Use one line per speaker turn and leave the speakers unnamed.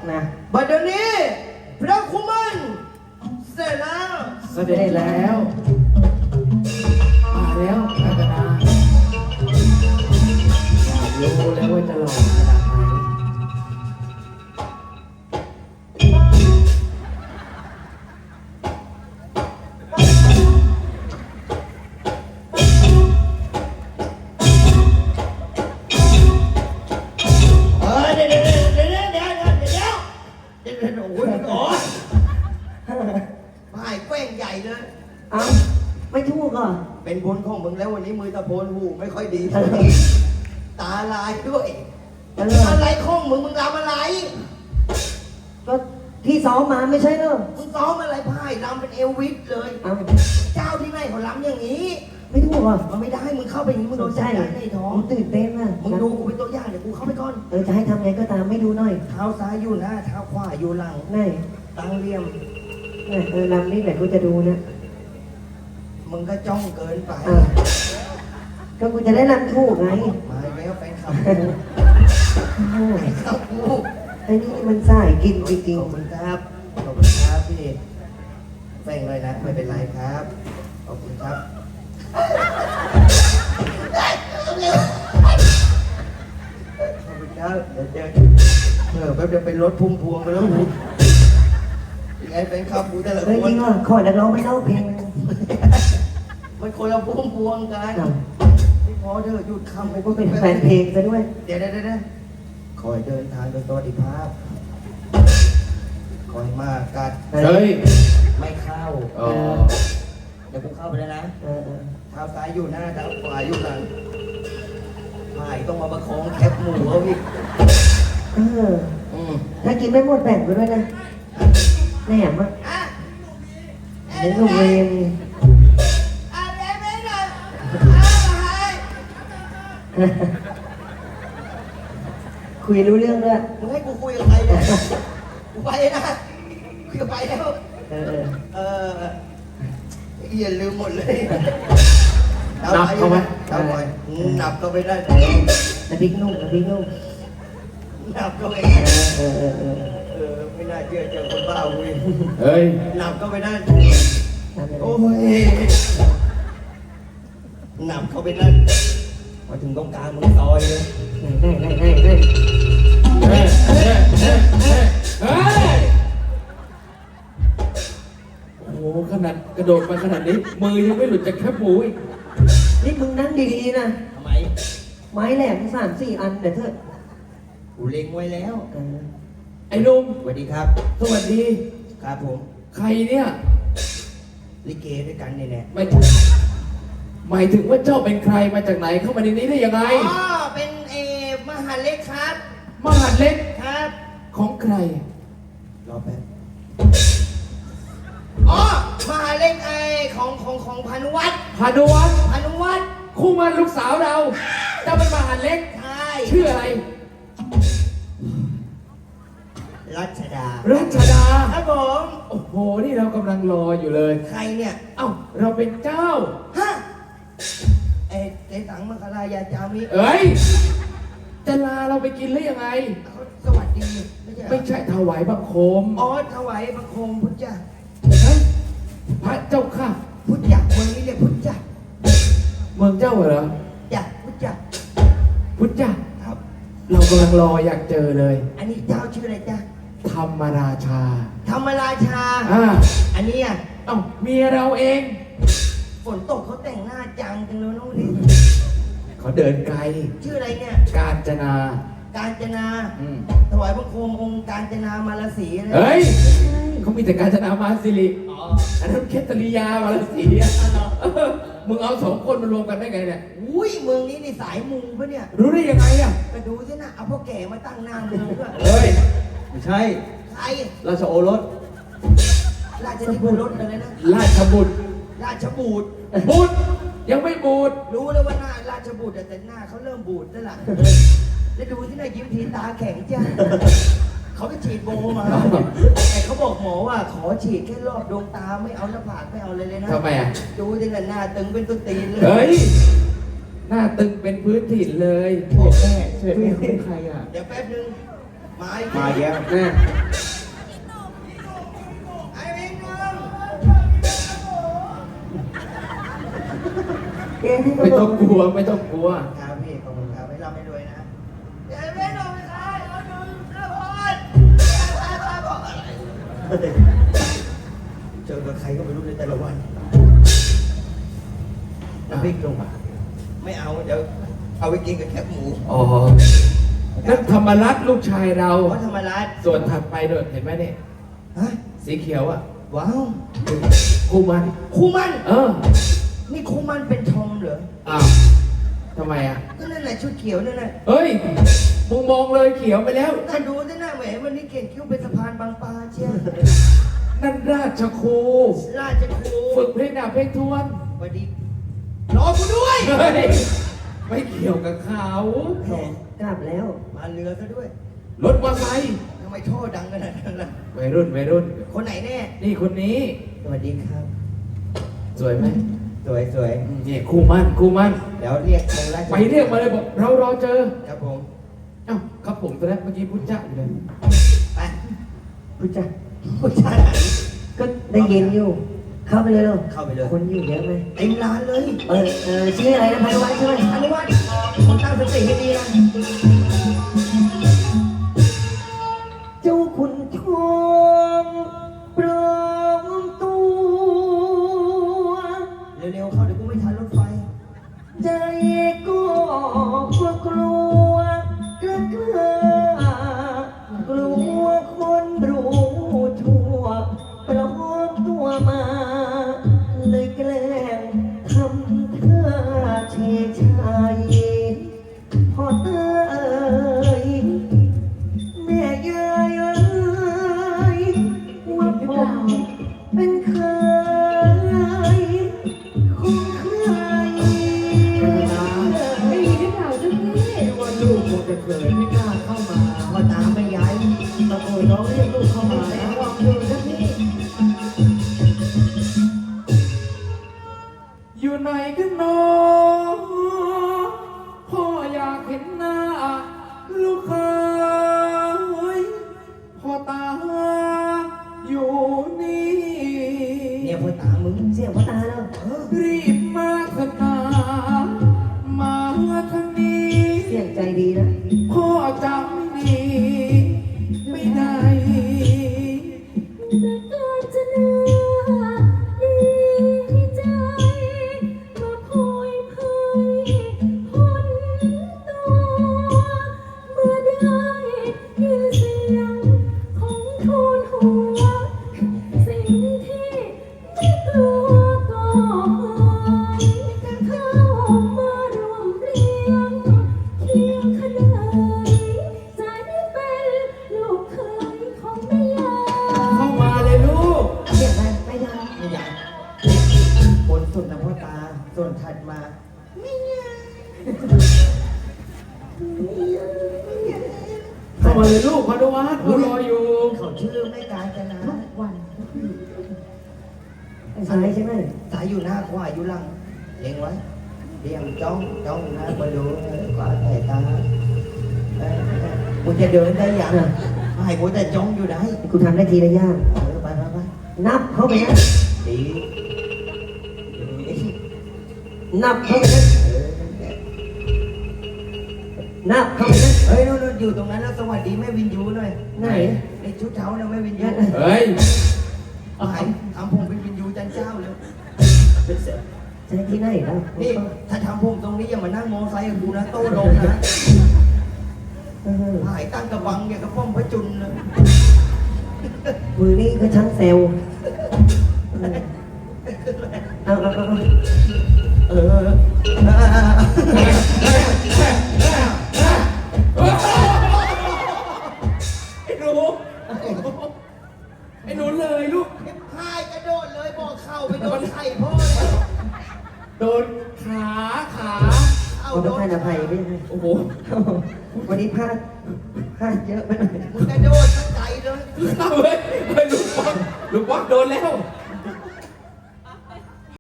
นะ
บัดเดี๋ยวนี้พระคุมันเสร็จแล้ว
เสด็จแล้วมาแล้วอาจารย์อยากรู้แล้วว่าจะหล่อขนาดไหน
ไม่แกล้งใหญ่เลย
เอ้าไม่ถูกเหรอ
เป็นบุญของมึงแล้ววันนี้มือตะโพนหูไม่ค่อยดีตาลายด้วยอะไรของมึงรำอะไร
ก็ที่ซ้อมมาไม่ใช่เหรอ
มึงซ้อมอะไรพ่ายรำเป็นเอลวิสเลย
เอ้า
เจ้าที่ไหนเขารำอย่างนี้
ไม่ถูกเหรอ
มันไม่ได้มึงเข้าไปอย่างนี้มึงโดนใจในท้อง
ผมตื่นเต้นอ่ะ
มึงดูกูเป็นตัวอย่างเดี๋ยวกูเข้าไปก่อน
จะให้ทำไงก็ตามไม่ดูหน่อย
เท้าซ้ายอยู่หน้าเท้าขวาอยู่หลัง
ไหน
ตั้งเลี่ยม
ลำนี่แหละกูจะดูนะ
มึงก็จ้องเกินไป
อ่ะก็กูจะได้ลำถูกไง
มาแล้วแฟนคลับ
โอ้ย
เข้ากู
ไอ้นี่มันสายกินจริง
ขอบคุณครับขอบคุณครับพี่แฟงเลยนะไม่เป็นไรครับขอบคุณครับขอบคุณครับเดี๋ยวแป๊บเดียวเป็นรถพุ่มพวงไปแล้วกูยังไงแฟนคลับกูแต่ละ
ๆเฮ้ย
ค
จ
น
ริงเหรอขอนักร้องไม่เล่าเพลง
มันคนละพุ่มพวงกันพี่พอเถอะหยุดคำไป
ก็เป็นแฟนเพลงซะด้วย
เดี๋ยวคอยเดินทางโดยสวัสดิภาพคอยมากกัด
เฮ้ย
ไม่เข้า
อ๋อ
เดี๋ยวกูเข้าไปแล้วนะ
เออ
เท้าซ้ายอยู่หน้าเท้าขวาอยู่หลังไม่ต้องมาประคองแคปหมูเขาอีก
เออ ถ้ากินไม่หมดแบ่งไปด้วยนะแหนมอ่ะ
อ่ะ
เดี๋ยวหนูเวร
อ่ะเดี๋ยวไม่หน่อย
คุยรู้เรื่องด้วย
มึงให้กูคุยกับใครเนี่ยกูไปนะคุยกับไปแล้ว
เออ
อย่าลืมหมดเลย
นับเข้าไหม
นับไปนับก็ไม่ได้
น้ำพริกนุ่มน้ำพริกนุ่ม
นับก็ไม่
เออ
ไม่น่าเชื่อเจอคนบ้าเว้ย
เฮ้ย
นับก็ไม่ได้
ทำ
โอ้
ไง
ยนับเข้าไปนั่นมาถึงตรงกลางมึงซอยเลย
ได้
เฮ้ยเฮ้ยเฮ้ยโอ้โหขนาดกระโดดมาขนาดนี้ มือยังไม่หลุดจากแคบหมูอีก
นี่มึงนั่งดีๆนะ
ทำไม
ไม้แหลม3-4 อันเดี๋ยวเถอะ
กูเล็งไว้แล้ว
ไอ้หนุ่ม
สวัสดีครับ
สวัสดี
ครับผม
ใครเนี่ย
ลิเกด้วยกันเนี่ยแหละ
หมายถึงว่าเจ้าเป็นใครมาจากไหนเข้ามาในนี้ได้ยังไง
อ๋อเป็นมหาเล็กครับ
มหาดเล็ก
ครับ
ของใคร
รอแป๊บอ๋อมหาเล็กของพานุวัฒน์
พานุวัฒน์
พานุวัฒน์
คู่มันลูกสาวเรา เจ้าเป็นมหาดเล็ก
ใช่
ชื่ออะไร
รัชดา
รัชดา
ครับผม
โอ้โห นี่เรากำลังรออยู่เลย
ใครเนี่ย
เอ้า เราเป็นเจ้า
ฮะเจ๊สังมังคลายาจามิ
เอ้ย จะลาเราไปกินหรือยังไง
เขาสวัสดีไม่ใช่เหรอ
ไม่ใช่ถวายบังคม
อ๋อถวายบังคมพุทธเจ้า
เฮ้ยพระเจ้าค่ะ
พุทธจักรเมืองนี้เรียกพุทธจักร
เมืองเจ้าเหรอ
จักรพุทธจักร
พุทธเจ้า
ครับ
เรากำลังรออยากเจอเลย
อันนี้เจ้าชื่ออะไรจ๊ะ
ธรรมราชา
ธรรมราชา อันนี้อ่ะ
เอ้าเมียเราเอง
ฝนตกเขาแต่งหน้าจังจังเลยน้องนี่
เขาเดินไกล
ชื่ออะไรเนี่ย
กาญจนา
กาญจนา
อืม
ถวายบังคมองค์กาญจนามาลสีอะไร
เฮ้ย เขามีแต่กาญจนามาสิริ
อ๋อ
อันนั้นเคตริยามาลสีอะมึงเอาสองคนมารวมกันได้ไงเนี่ย
อุ้ยเมืองนี้นี่สายมูปะเนี่ย
รู้ได้ยังไงอ่ะ
ก็ดูสินะเอาพ่อแก่มาตั้งหน้าเมืองด้วย
เฮ้ย
ไม่ใช่
ใคร
ราชโอรส
ราชนิพนธ์รถอะไรนะ
ราชบุตร
ราชบูตร
บุตร ยังไม่บูตร
รู้แล้วว่าหน้าราชบุตรแต่หน้าเขาเริ่มบูดแล้วล่ะแล้วดูที่หน้ายิ้มทีตาแข็งจ้าเขาไปฉีดโบมาแต่เขาบอกหมอว่าขอฉีดแค่รอบดวงตาไม่เอาหน้าผากไม่เอาเลยนะ
ทำไมอ่ะ
ดูที่หน้าตึงเป็นต้นตีนเลย
เฮ้ย หน้าตึงเป็นพื้นถิ่นเลย
พ่อแม่
เสด็จแม่เขาเป็นใครอ่ะ
เดี๋ยวแป๊บนึงมาอีก
มาแย่
แม่
ไอ้เองนึง
เจ๊ที่
ไม่ต้องกลัวไม่ต้องกลัว
ครับพี่ขอบคุณครับให้เราไม่รวยนะเดี๋ยวไม่รวยไม่ได้เอาหนึ่งนะพอดเจอกับใครก็ไม่รู้ในแต่ละวันน้ำพริกลงมาไม่เอาเดี๋ยวเอาไปกินกับแคบหมู
อ๋อนั่นธรรมรัตน์ลูกชายเรา
เพราะธรรมรัตน์
ส่วนถัดไปโดดเห็นไหมเนี่ย
ฮะ
สีเขียวอ่ะ
ว้าว
คู่มัน
ครูมัน
เออ
นี่ครูมันเป็นทอมเหรอ
อ้าวทำไมอ่ะ
ก็นั่นแหละชุดเขียวนั่นแหละ
เฮ้ยมึงมองเลยเขียวไปแล้ว
ถ้าดูสิหน้าแหมวันนี้เก่งคิ้วเป็นสะพานบางปลาเชียว
นั่นราชครู
ราชครู
ฝึกเพลงดาบเพลงทวน
สวัสดีรอกูด้วย
เฮ้ยไม่เกี่ยวกับเขา
แหมกลับแล้ว
มาเรือซะด้วย
รถมอเตอร์ไซค์
ทำไมท่อดังขนาดนั้นล่ะ
วัยรุ่นวัยรุ่น
คนไหนแน่
นี่คนนี้
สวัสดีครับ
สวยไหม
สวยสวย
นี่คู่มันคู่มัน
เดี๋ยวเรียกทางราช
ไปเรียกมาเลยบอกเรารอเจอ
ครับผม
เอ้าครับผมตอนแรกเมื่อกี้พูดจ้าอยู่เลย
ไป
รู้จัก
ผู้ชายไหน
ก็ได้ยินอยู่ เข้าไปเลยเหรอ
เข้าไปเลย
คนอยู่เยอะไหม
เต็มร้านเลย
ชื่ออะไรนะพานุวัฒน์ใช่ไหม
อนุวัฒน์ผมตั้งสติให้ดีนะ
เจ้าขุนทองปลอมตัว
เร็วๆเข้าเดี๋ยวกูไม่ทันรถไฟ
ใจก็กลัวกล้ากลัวคนรู้ชั่วปลอมตัวมา เลยแกล้งทำท่าเชยชายพอเตยแม่ยายเอ้ยว่าผมเป็นใครของใคร
ไม่มีหรือเปล่าเจ้าพี่
ว่าลูกคงจะเขินไม่กล้าเข้ามา
พอตามไม่ย้ายตะโกนร้องเรียกลูกเข้ามาแล้วลองดูนะพี่
อยู่ไหนกันเนาะพ่ออยากเห็นหน้า ลูกเคยพ่อตาอยู่นี่
เนี่ยพ่อตามึง
เสียงพ่อตาแล้ว
รีบมาเถอะนามาทางนี้
เสียงใจดีนะ
พ่อจำหนีไม่ได้
แต่ก็จะน่าดีใจก็คอยเผยพ้นตัวเมื่อได้ยินเสียงของทูลหัว สิ่งที่ไม่กลัวก็หายเข้ามารวมเรียงเคียงขนานจะได้เป็นลูกเคยของแม่ยา
เข้ามาเลยลูก
เสียงอะไรไม่ได้
ไม่อยากบนสุดนะพ่อตา ส่วนถัดมา
เข้ามาเลยลูกพานุวัฒน์พ่อรออยู่
เขาชื่อไม่กาญจนา
ทุกวัน
สายใช่ไหม
สายอยู่หน้าขวาอยู่หลังเล็งไว้เรียงจ้องจ้องนะมาดูขวาสายตากูจะเดินได้ยังให้กูแต่จ้องอยู่ได้
กูทำได้ทีละอย่าง
ไปไปไป
นับเข้าไปนะ
ดี
นับเข้าไปนะนับเข้าไปนะ
เฮ้ยนู่นอยู่ตรงนั้นแล้วสวัสดีแม่วินยูหน่อย
ไหน
ในชุดเท้าเนี่ยแม่วินยู
เฮ้ย
หายทำผมเป็นวินยูจันเจ้าเลย
ใช้ที่ไหนแล้ว
นี่ถ้าทำผมตรงนี้อย่ามานั่งมอไซค์กับกูนะโต้ลงนะ หายตั้งกระบังอย่างกระป้อมพระจุลเลย
มือนี่ก็ช่างเซลเอา
เออ
ไอ้หนูไอ้หนูเลยลูก
หายกระโดดเลยบอกเข่าไปโดนไข่พ่อเลย
โดนขา
เอา
ขอ
โด
ประ
น
ทานอภัยด้วยนะ
โอ้โห
วันนี้พลาดเยอะไปหน่อย
มึงกระโดดตั้งใจเลย
เฮ้ยลูกบอลโดนแล้ว